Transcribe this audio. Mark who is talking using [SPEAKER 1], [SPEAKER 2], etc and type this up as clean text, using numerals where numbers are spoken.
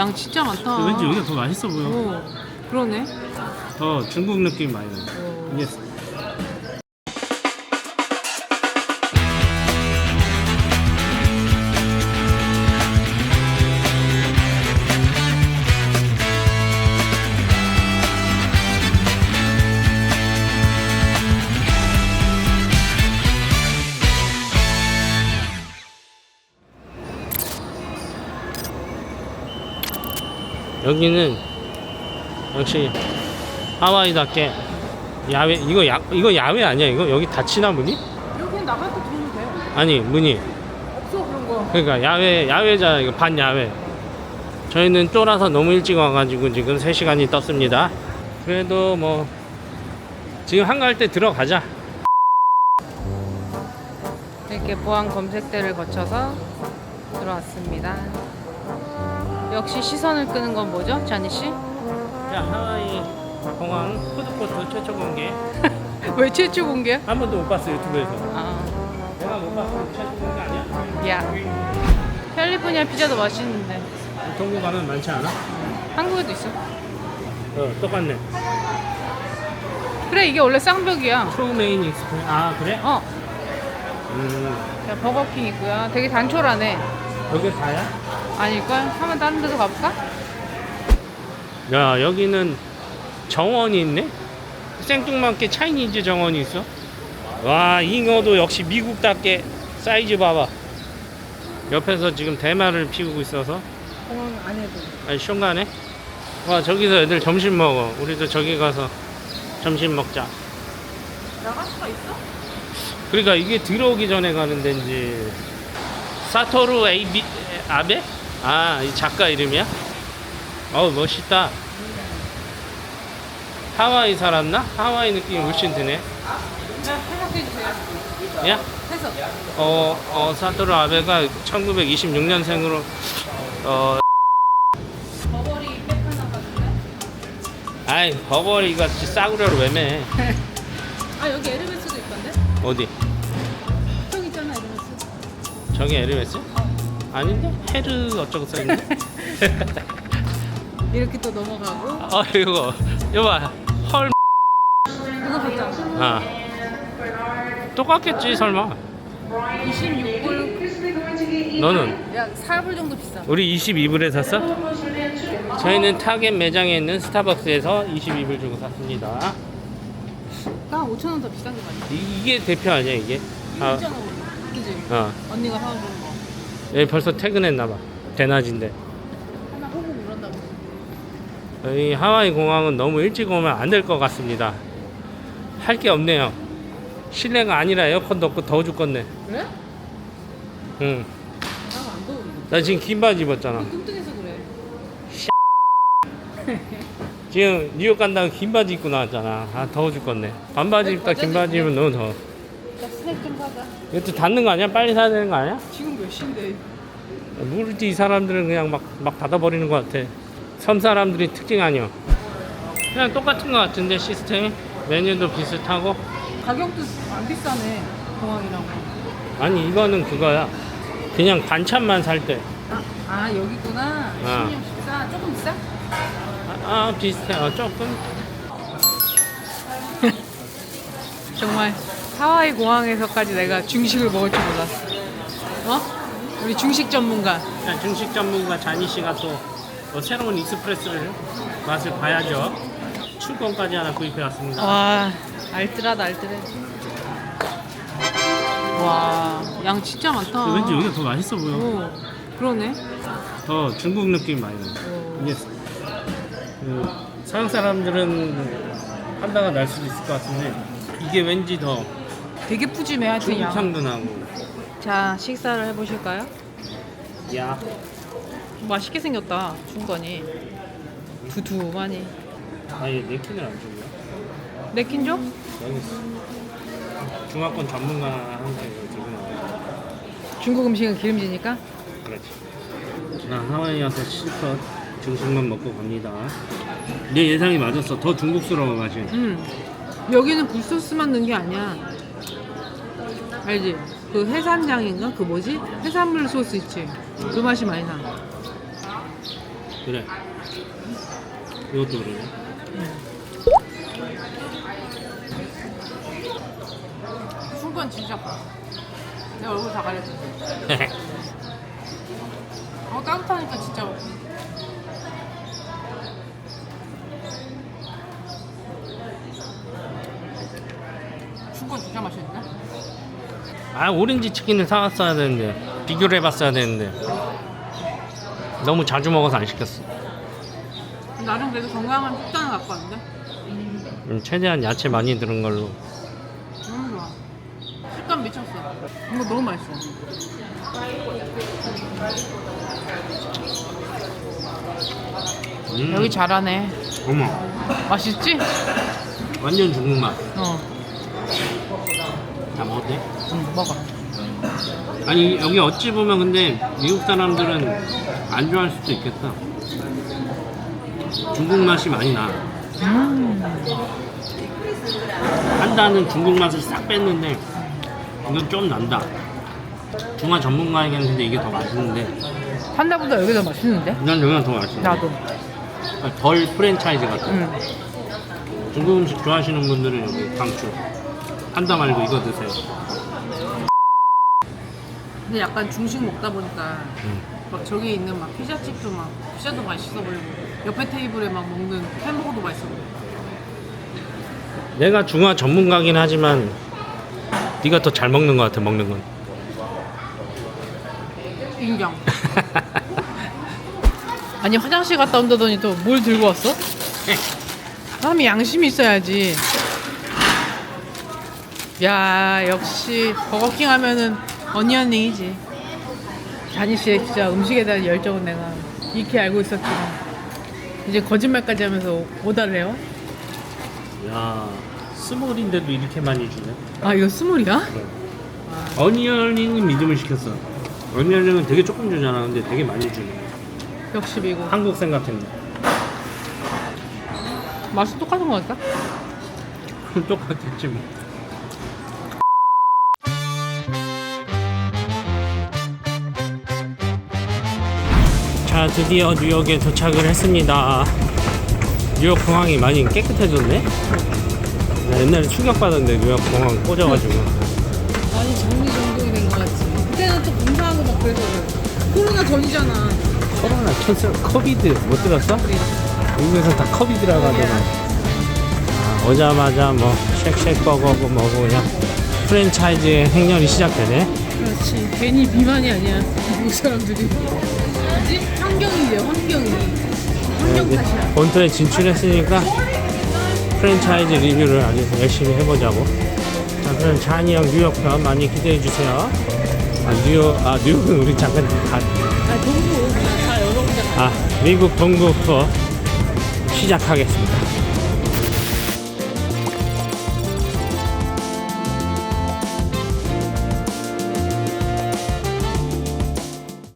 [SPEAKER 1] 양 진짜 많다.
[SPEAKER 2] 왠지 여기가 더 맛있어 보여.
[SPEAKER 1] 오, 그러네.
[SPEAKER 2] 더 중국 느낌 많이 나. 이게 여기는 역시 하와이답게 야외. 이거 야외 아니야? 이거 여기 닫히나 문이?
[SPEAKER 1] 여기는 나갈 때 들어오면 돼.
[SPEAKER 2] 아니 문이.
[SPEAKER 1] 없어 그런 거.
[SPEAKER 2] 그러니까 야외잖아. 이거 반 야외. 저희는 쫄아서 너무 일찍 와가지고 지금 3시간이 떴습니다. 그래도 뭐 지금 한가할 때 들어가자.
[SPEAKER 1] 이렇게 보안 검색대를 거쳐서 들어왔습니다. 역시 시선을 끄는 건 뭐죠, 자니 씨?
[SPEAKER 2] 자, 하와이 공항 푸드코트 최초 공개.
[SPEAKER 1] 왜 최초 공개?
[SPEAKER 2] 한 번도 못 봤어 유튜브에서.
[SPEAKER 1] 아,
[SPEAKER 2] 내가 못 봤어. 최초 공개 아니야?
[SPEAKER 1] 야, 캘리포니아 피자도 맛있는데
[SPEAKER 2] 동구 가면 많지 않아?
[SPEAKER 1] 한국에도 있어.
[SPEAKER 2] 똑같네.
[SPEAKER 1] 그래, 이게 원래 쌍벽이야.
[SPEAKER 2] 초메인 익스프레스. 아 그래?
[SPEAKER 1] 자, 버거킹 있고요. 되게 단촐하네.
[SPEAKER 2] 여기 다야?
[SPEAKER 1] 아닐걸? 한번 다른 데도 가볼까?
[SPEAKER 2] 야, 여기는 정원이 있네? 생뚱맞게 차이니즈 정원이 있어. 와, 잉어도 역시 미국답게 사이즈 봐봐. 옆에서 지금 대마를 피우고 있어서.
[SPEAKER 1] 공항 안에도.
[SPEAKER 2] 아니, 숑가네? 와, 저기서 애들 점심 먹어. 우리도 저기 가서 점심 먹자.
[SPEAKER 1] 나갈 수가 있어?
[SPEAKER 2] 그러니까 이게 들어오기 전에 가는 데인지. 사토루 아베? 아, 이 작가 이름이야? 어우, 멋있다. 하와이 살았나? 하와이 느낌이 훨씬 드네.
[SPEAKER 1] 해석해주세요.
[SPEAKER 2] 야?
[SPEAKER 1] 해석.
[SPEAKER 2] 사토루 아베가 1926년생으로,
[SPEAKER 1] 버버리 백하나 같은데?
[SPEAKER 2] 아이, 버버리가 싸구려로 왜 매?
[SPEAKER 1] 아, 여기 에르메스도 있던데?
[SPEAKER 2] 어디?
[SPEAKER 1] 저기 있잖아, 에르메스.
[SPEAKER 2] 저기 에르메스? 아닌데? 헤르 어쩌고 써있네?
[SPEAKER 1] 이렇게 또 넘어가고.
[SPEAKER 2] 이거 봐. 헐.
[SPEAKER 1] 이거 봤잖아.
[SPEAKER 2] 아. 똑같겠지, 설마.
[SPEAKER 1] 26불.
[SPEAKER 2] 너는?
[SPEAKER 1] 야, 4불 정도 비싸.
[SPEAKER 2] 우리 22불에 샀어? 저희는 타겟 매장에 있는 스타벅스에서 22불 주고 샀습니다.
[SPEAKER 1] 딱 5,000원 더 비싼 게 맞네.
[SPEAKER 2] 이게 대표 아니야, 이게?
[SPEAKER 1] 이거 있잖아, 우리. 그지? 언니가 사준 거.
[SPEAKER 2] 얘 벌써 퇴근했나봐. 대낮인데.
[SPEAKER 1] 하나 호구 물었나 보네.
[SPEAKER 2] 여기 하와이 공항은 너무 일찍 오면 안 될 것 같습니다. 할 게 없네요. 실내가 아니라 에어컨도 없고 더워 죽겠네.
[SPEAKER 1] 그래?
[SPEAKER 2] 응.
[SPEAKER 1] 나안 더운데.
[SPEAKER 2] 나 지금 긴 바지 입었잖아.
[SPEAKER 1] 뚱뚱해서 그래.
[SPEAKER 2] 지금 뉴욕 간다고 긴 바지 입고 나왔잖아. 아, 더워 죽겠네. 반바지 입다 긴 바지 입으면 너무 더워.
[SPEAKER 1] 나 스낵 좀 사자.
[SPEAKER 2] 이것도 닫는 거 아니야? 빨리 사야 되는 거 아니야?
[SPEAKER 1] 지금 몇 시인데?
[SPEAKER 2] 모르지. 이 사람들은 그냥 막 닫아버리는 것 같아. 섬 사람들이 특징 아니야. 그냥 똑같은 것 같은데 시스템이? 메뉴도 비슷하고.
[SPEAKER 1] 가격도 안 비싸네, 공항이랑.
[SPEAKER 2] 아니 이거는 그거야. 그냥 반찬만 살 때.
[SPEAKER 1] 아, 여기구나.
[SPEAKER 2] 아.
[SPEAKER 1] 16, 14. 조금 비싸?
[SPEAKER 2] 비슷해. 조금.
[SPEAKER 1] 정말 하와이 공항에서까지 내가 중식을 먹을 줄 몰랐어. 우리 중식 전문가.
[SPEAKER 2] 자, 중식 전문가 자니 씨가 또 새로운 익스프레스를 맛을 봐야죠. 출권까지 하나 구입해 왔습니다.
[SPEAKER 1] 와, 알뜰하다, 알뜰해. 와, 양 진짜 많다.
[SPEAKER 2] 왠지 여기가 더 맛있어 보여.
[SPEAKER 1] 오, 그러네.
[SPEAKER 2] 더 중국 느낌 많이 나. 이게 서양 사람들은 판다가 날 수도 있을 것 같은데 이게 왠지 더
[SPEAKER 1] 되게 푸짐해, 하여튼
[SPEAKER 2] 중국
[SPEAKER 1] 양.
[SPEAKER 2] 향도 나고.
[SPEAKER 1] 자, 식사를 해보실까요?
[SPEAKER 2] 야,
[SPEAKER 1] 맛있게 생겼다, 중건이. 두툼하니.
[SPEAKER 2] 얘 네킨을 안 주고요.
[SPEAKER 1] 네킨 줘?
[SPEAKER 2] 여기 있어. 중화권 전문가한테 들고 나와.
[SPEAKER 1] 중국 음식은 기름지니까?
[SPEAKER 2] 그렇지. 나 하와이 와서 실컷 중식만 먹고 갑니다. 내 예상이 맞았어. 더 중국스러워 맛이.
[SPEAKER 1] 여기는 굴소스만 넣은 게 아니야. 알지? 그 해산장인가? 그 뭐지? 해산물 소스 있지? 그 맛이 많이 나.
[SPEAKER 2] 그래. 이것도 그러네.
[SPEAKER 1] 술건 진짜 커. 내 얼굴 다 가렸어. 따뜻하니까 진짜. 술건 진짜 맛있는데?
[SPEAKER 2] 아, 오렌지 치킨을 사왔어야 되는데, 비교를 해봤어야 되는데 너무 자주 먹어서 안 시켰어.
[SPEAKER 1] 나름 그래도 건강한 식단을 갖고 왔는데?
[SPEAKER 2] 최대한 야채 많이 들은 걸로.
[SPEAKER 1] 너무 좋아. 식감 미쳤어. 이거 너무 맛있어. 여기 잘하네.
[SPEAKER 2] 어머,
[SPEAKER 1] 맛있지?
[SPEAKER 2] 완전 중국 맛. 다 먹어도 돼?
[SPEAKER 1] 응, 먹어.
[SPEAKER 2] 아니, 여기 어찌 보면 근데 미국 사람들은 안 좋아할 수도 있겠다. 중국 맛이 많이 나. 한다는 중국 맛을 싹 뺐는데 이건 좀 난다. 중화 전문가에게는 근데 이게 더 맛있는데
[SPEAKER 1] 판다보다 여기 더 맛있는데?
[SPEAKER 2] 난 여기가 더 맛있어.
[SPEAKER 1] 나도.
[SPEAKER 2] 덜 프랜차이즈 같아.
[SPEAKER 1] 응.
[SPEAKER 2] 중국 음식 좋아하시는 분들은 여기 강추. 판다 말고 이거 드세요.
[SPEAKER 1] 근데 약간 중식 먹다 보니까 막 저기 있는 막 피자집도 막 피자도 맛있어 보이고 옆에 테이블에 막 먹는 햄버거도 맛있어 보이고.
[SPEAKER 2] 내가 중화 전문가긴 하지만 네가 더 잘 먹는 것 같아. 먹는 건.
[SPEAKER 1] 인정. 아니 화장실 갔다 온다더니 또 뭘 들고 왔어? 사람이 양심이 있어야지. 야 역시 버거킹 하면은 어니언링이지. 자니 씨의 진짜 음식에 대한 열정은 내가 익히 알고 있었지만 이제 거짓말까지 하면서 오다를 해요?
[SPEAKER 2] 야, 스몰인데도 이렇게 많이 주네.
[SPEAKER 1] 아 이거 스몰이야?
[SPEAKER 2] 어니언링은 믿음을 시켰어. 어니언링은 되게 조금 주잖아. 근데 되게 많이 주네.
[SPEAKER 1] 역시 미국.
[SPEAKER 2] 한국 생각했네.
[SPEAKER 1] 맛이 똑같은 거 같다?
[SPEAKER 2] 똑같겠지 뭐. 자, 드디어 뉴욕에 도착을 했습니다. 뉴욕 공항이 많이 깨끗해졌네? 나 옛날에 충격받았는데 뉴욕 공항 꽂아가지고.
[SPEAKER 1] 아니 정리정돈이 된 거 같지. 그때는 또 공사하고 막 그래서 코로나 전이잖아.
[SPEAKER 2] 코로나 캔슬 코비드 못 들었어? 미국에서 다 코비드라고 하더만. 아, 오자마자 뭐 쉑쉑버거고 뭐고 그냥 프랜차이즈 행렬이 시작되네.
[SPEAKER 1] 그렇지. 괜히 비만이 아니야. 미국 사람들이. 뭐지? 환경이지, 환경이. 환경 탓이야.
[SPEAKER 2] 본토에 진출했으니까 프랜차이즈 리뷰를 아주 열심히 해보자고. 자, 그럼 잔이 형 뉴욕 편 많이 기대해주세요. 뉴욕은 우리 잠깐
[SPEAKER 1] 동부. 다 여러 군데 가.
[SPEAKER 2] 미국 동부 투어 시작하겠습니다.